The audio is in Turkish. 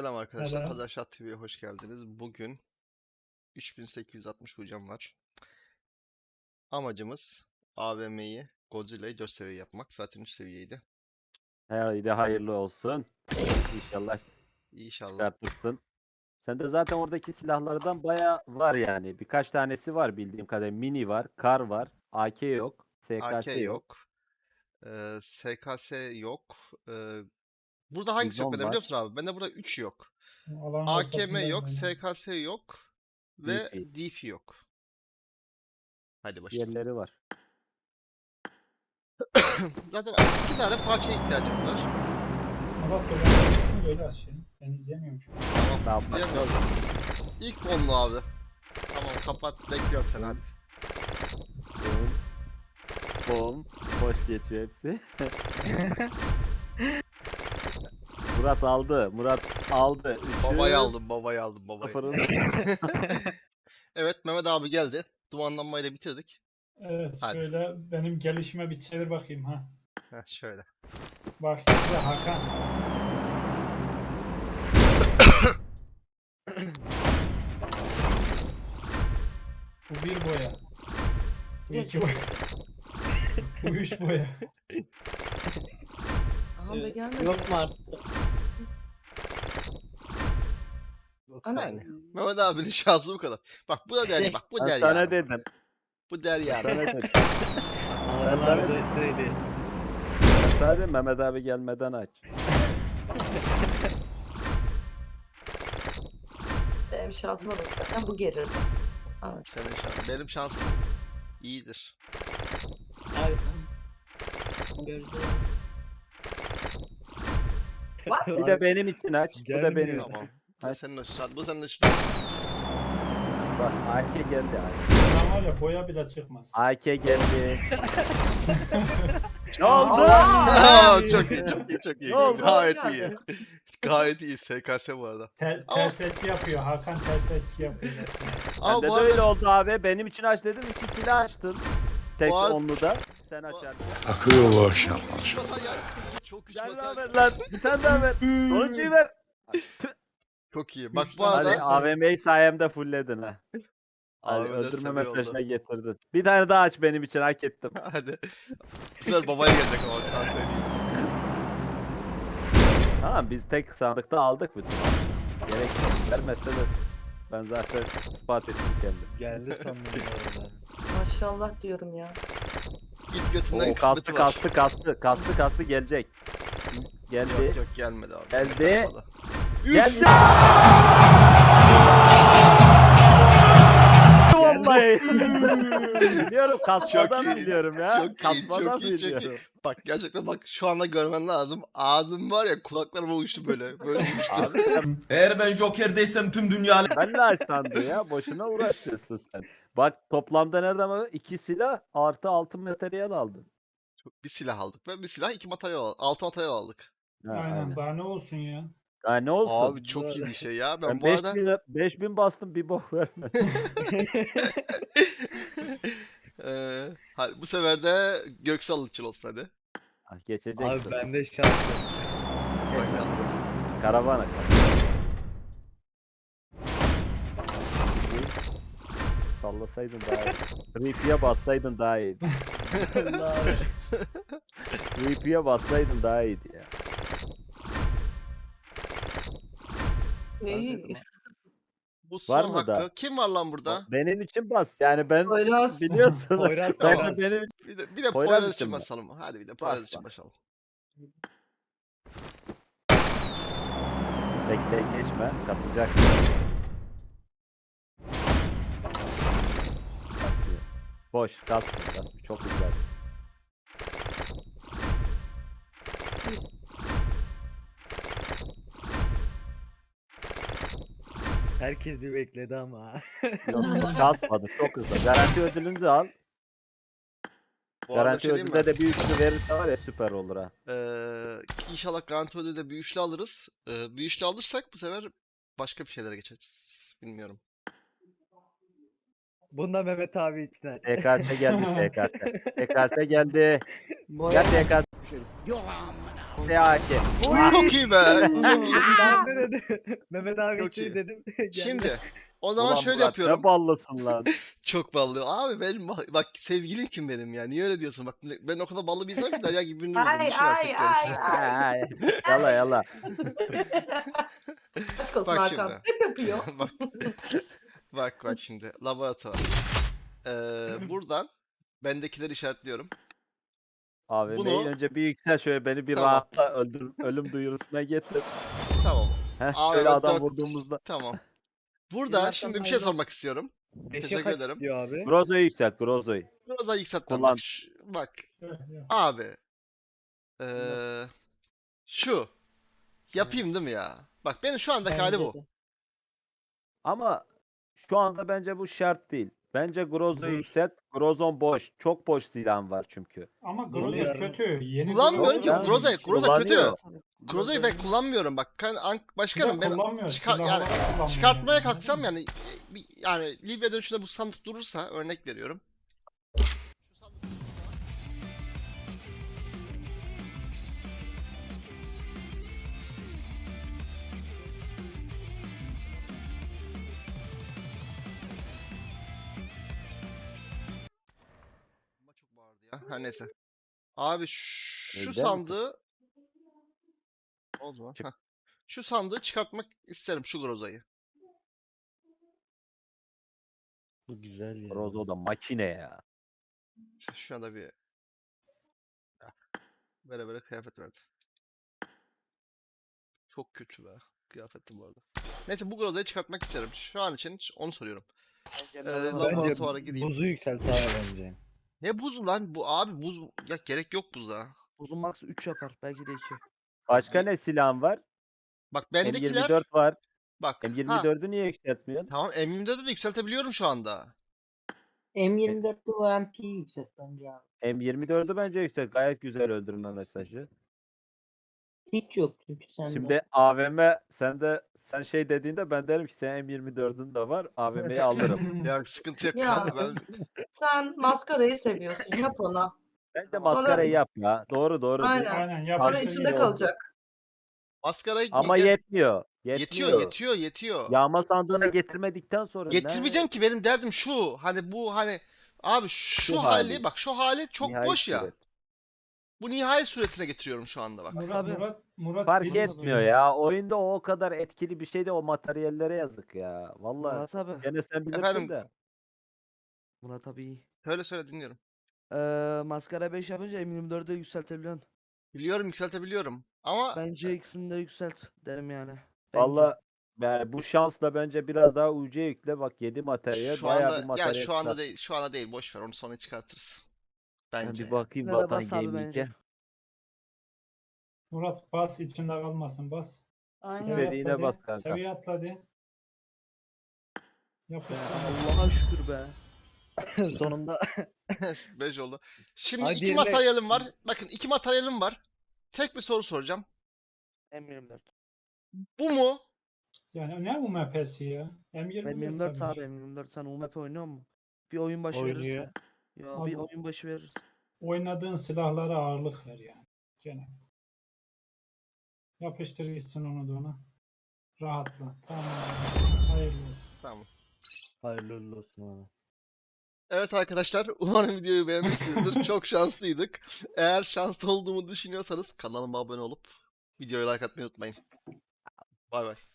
Selam arkadaşlar. Selam. Adaşat TV'ye hoş geldiniz. Bugün 3860 hocam var. Amacımız AVM'yi Godzilla'yı 4 seviye yapmak. Zaten 3 seviyeydi. Haydi hayırlı olsun. İnşallah İnşallah. çıkartırsın. Sende zaten oradaki silahlardan bayağı var yani. Birkaç tanesi var bildiğim kadarıyla. Mini var, kar var, AK yok, AK SKS yok, yok. SKS yok. Burada hangisi yok Bizon bende var, biliyor musun abi? Bende burada 3 yok. Alanın AKM ortasındayım yok, ben. SKS yok ve DP. DP yok. Hadi başlayalım. Diğerleri var. Zaten 2 tane parçaya ihtiyacım var. Allah belanı versin böyle açayım. Ben izleyemiyorum şu an. Ne yapmak Diyemiyorum. lazım? İlk onlu abi. Tamam kapat. Bekliyorum seni hadi. Bom. Bom. Hoş geçiyor hepsi. Murat aldı. Murat aldı. Babayı aldım, babayı aldım, babayı. Sıfırın. Evet, Mehmet abi geldi. Dumanlanmayı da bitirdik. Evet Hadi. şöyle benim gelişime bir çevir bakayım ha. Heh, şöyle. Bak işte Hakan. Bu bir boya. Bu iki boya. Bu üç boya. Aha da gelmedi. Yok mu artık? Ana. Yani. Mehmet abinin şansı bu kadar. Bak bu da der, bak bu Ben der sana yani. dedim. Bu der yani. Sana dedim. Allah'ın sana abi dedim. söyledi. Sana dedim Mehmet abi gelmeden aç. Benim şansıma bak. Zaten bu gelir. Evet. Senin şansın. Benim şansım iyidir. Abi. Gözde. Bir de benim için aç. Bu da benim Gelmiyor. için. Tamam. Bu Hadi. senin için. Bu senin için. Bak AK geldi. Lan var ya boya bile çıkmaz. AK geldi. Ne oldu? Aa, çok iyi, çok iyi, çok iyi. Ne oldu? Gayet Yani. iyi. Gayet iyi SKS bu arada. Ters etki yapıyor. Hakan ters etki yapıyor. Ama Bende bu de öyle arada oldu abi. Benim için aç dedim. İkisini açtın. Tek Bu arada- onlu da. Sen açardın. Akıyor bu akşam. üç batar ya. Çok üç Gel batar. daha ver lan. Bir tane daha ver. Sonuncuyu ver. Çok iyi. Bak Üç bu tane Hadi arada daha- AVM'yi sayemde fullledin ha. Hadi AVM 4 öldürme seviye mesajına oldu. getirdin. Bir tane daha aç benim için hak ettim. Hadi. Bu sefer babaya gelecek ama sana söyleyeyim. Tamam biz tek sandıkta aldık bütün. Gerek yok. Vermezse de ben zaten ispat ettim kendim. Geldi sandım bu arada. Maşallah diyorum ya. İlk götünden O kısmeti kastı var. kastı gelecek. Geldi. Yok yok gelmedi abi. Geldi. Gelmedi. Geldi. Vallahi. Biliyorum kasmadan Çok iyi, biliyorum ya. çok iyi, Kasmadan çok iyi, çok iyi. biliyorum. Bak gerçekten bak şu anda görmen lazım. Ağzım var ya kulaklarıma uçtu böyle. Böyle uçtu. Abi sen Eğer ben Joker'deysem tüm dünya benle aç sandı ya. Boşuna uğraşıyorsun sen. Bak toplamda nereden bak? 2 silah artı 6 materyal aldın. Bir silah aldık ve bir silah 2 materyal aldık. 6 materyal aldık. Ha, Aynen. Daha ne olsun ya. Ha, ne olsun? Abi çok iyi bir şey ya. Ben Ben bu arada 5000 bastım bir bok verme. hadi bu sefer de Göksal için olsun hadi. Ha, geçeceksin. Abi bende şans yok. Bakalım. Karavana. Sallasaydın daha iyi. Reap'e bassaydın daha iyiydi. Allah. Reap'e bassaydın daha iyiydi ya. İyi. Bu Var son mı hakkı. daha? Kim var lan burada? Benim için bas. Yani ben Poyraz. biliyorsun. Poyraz Ben tamam. de benim Bir de Poyraz Poyraz için için mi? basalım. Hadi bir de Poyraz Bas, için bas. basalım. bekle geçme. Kasacak. Kasmıyor. Boş. Kasmıyor. Çok güzel. Herkes bir bekledi ama. Yok, kasmadı. Çok hızlı. Garanti ödülünü de al. Bu arada bir Garanti şey diyeyim ödülde mi? de bir üçlü verirse var ya süper olur ha. İnşallah garanti ödülde bir üçlü alırız. Bir üçlü alırsak bu sefer başka bir şeylere geçeriz. Bilmiyorum. Bunda Mehmet abi için aç. TKS geldi TKS. TKS geldi. Boya. Gel TKS. SAK. Çok iyi be. Ben ne dedim? Mehmet abi Çok için iyi. dedim. Geldi. Şimdi o zaman Ulan şöyle Murat, yapıyorum. Ne ballısın lan. Çok ballı. Abi benim bak sevgilim kim benim ya? Niye öyle diyorsun? Bak ben o kadar ballı bir insanım ki Derya gibi birini buldum. Ay Düşün artık ay gerisi. ay ay. Yala yala. Aşk olsun Bak Hakan. şimdi. Hep yapıyor. Bak. Bak şimdi. Laboratuvar. Buradan bendekileri işaretliyorum. AVM'yi Bunu- önce bir yüksel şöyle beni bir Tamam. rahatla ölüm duyurusuna getir. Tamam. Heh, Abi, şöyle adam dört- vurduğumuzda. Tamam. Burada Yıllardan şimdi bir şey hayırlı sormak olsun. istiyorum. Beşe Teşekkür kaç ederim. istiyor abi? Grozo'yu yükselt Grozo'yu. Biraz daha yükseltmem. Kullan. Bak, bak. Şöyle, yok. Abi. Şu. Yapayım değil mi ya? Bak benim şu andaki hali bu. Bence de. Ama şu anda bence bu şart değil. Bence Grozo'yu Dur. yükselt. Grozon boş. Çok boş silahın var çünkü. Ama Bunu Groza yarın- kötü. Yeni Kullanmıyorum Groza ki. Ben- Groza kötü. Kullanıyor. Grozo'yu ben kullanmıyorum bak. Başkanım ben kullanmıyor. yani kullanmıyor çıkartmaya yani. kalksam yani yani Libya dönüşünde bu sandık durursa örnek veriyorum. Ama çok bağırdı ya. Her neyse. Abi şu Eder misin? sandığı oldu mu? Çık. Heh. Şu sandığı çıkartmak isterim şu Groza'yı. Bu güzel ya. Grozo da makine ya. Şu anda bir böyle kıyafet verdi. Çok kötü be. Kıyafetim bu arada. Neyse bu Groza'yı çıkartmak isterim. Şu an için onu soruyorum. Laboratuvara Bence gideyim. buzu yükselt abi bence. Ne buzu lan? Bu abi buz ya gerek yok buza. Uzun max 3 yapar. Belki de 2. Başka ne silahın var? Bak bendekiler M24 var. bak. Ha, M24'ü niye yükseltmiyorsun? tamam M24'ü de yükseltebiliyorum şu anda. M24'te UMP'yi yükselt bence abi. M24'ü bence yükselt. Gayet güzel öldürme mesajı. Hiç yok çünkü sende. Şimdi AVM sen şey dediğinde ben derim ki sen M24'ün de var. AVM'yi alırım. Ya sıkıntı yok. Ya. Kanka ben Sen maskarayı seviyorsun. Yap ona. Bence maskarayı yap ya. Doğru. Aynen. Aynen Sonra yapıştır içinde gibi. kalacak. maskarayı Ama yetmiyor. yetmiyor. Yetiyor. Yağma sandığına getirmedikten sonra Getirmeyeceğim ki benim derdim şu. Hani bu hani abi şu hali hali. bak şu hali çok Nihai boş ya. suret. Bu nihai suretine getiriyorum şu anda bak. Murat Fark dil etmiyor istiyor. ya. Oyunda o kadar etkili bir şey de o materyallere yazık ya. Vallahi Murat abi. gene sen bilirsin Efendim? de. Murat abi iyi. Söyle dinliyorum. Maskara 5 yapınca M24'ü yükseltebiliyorsun. Biliyorum yükseltebiliyorum. Ama Bence ikisini de yükselt derim yani. Bence. Vallahi yani bu şansla bence biraz daha UC yükle bak 7 materyal şu bayağı anda bir materyal şu anda çıkart. değil. Şu anda değil. Boş ver. Onu sonra çıkartırız. Ben Bence. bir bakayım Yine de Vatan bas abi Gaming'e. bence. Murat bas içinde kalmasın bas. Aynen. Seviye İstediğine atladı, bas kanka. Seviye atladı. Yapıştır. Allah'a şükür be. Sonunda 5 oldu. Şimdi Hadi iki yerine- materyalim var. Bakın iki materyalim var. Tek bir soru soracağım. M24. Bu mu? Yani ne UMP'si ya? M24 M24 tabii. abi M24 sen UMP oynuyor musun? Bir oyun başı Oynuyor. verirse. Ya Abi- bir oyun başı verirse. Oynadığın silahlara ağırlık ver yani. Gene. Yapıştır gitsin onu da ona. Rahatla. Tamam. Hayırlı olsun. Tamam. hayırlı uğurlu olsun abi. Evet arkadaşlar, umarım videoyu beğenmişsinizdir. Çok şanslıydık. Eğer şanslı olduğumu düşünüyorsanız kanalıma abone olup videoya like atmayı unutmayın. Bay bay.